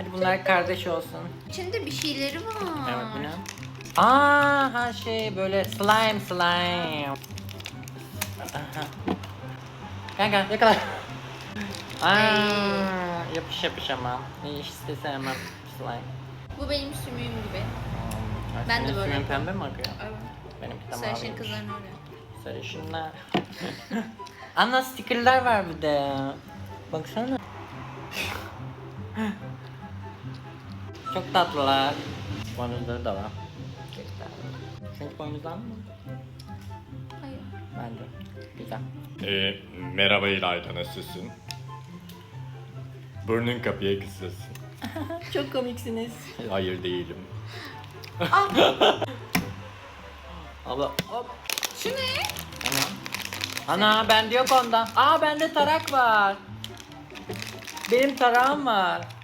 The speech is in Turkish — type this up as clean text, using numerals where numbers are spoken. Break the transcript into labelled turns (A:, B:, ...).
A: Hadi bunlar kardeş olsun.
B: İçinde bir şeyleri var.
A: Evet bu ne? Aa her şey böyle slime. Aha. Gel yakala. Yapış ama. Hiç de sevmem slime.
B: Bu benim sümüğüm gibi.
A: Ay,
B: Ben de
A: senin
B: böyle
A: suyun
B: yapıyorum.
A: pembe mi akıyor?
B: Evet.
A: Benimki de
B: Sarışın
A: maviymiş.
B: kızların öyle.
A: Sarışınlar. Ana stickerlar var bir de. Baksana. Çok tatlılar. Boynuzları da var. Çünkü boynuzlar mı?
B: Hayır.
A: Bence. Güzel.
C: Merhaba İlayda, nasılsın? Burnun kapıya kısılsın.
A: Çok komiksiniz.
C: Hayır değilim.
A: Abla hop.
B: Şu ne?
A: Ana bende yok ondan. Aa bende tarak var. Benim tarağım var.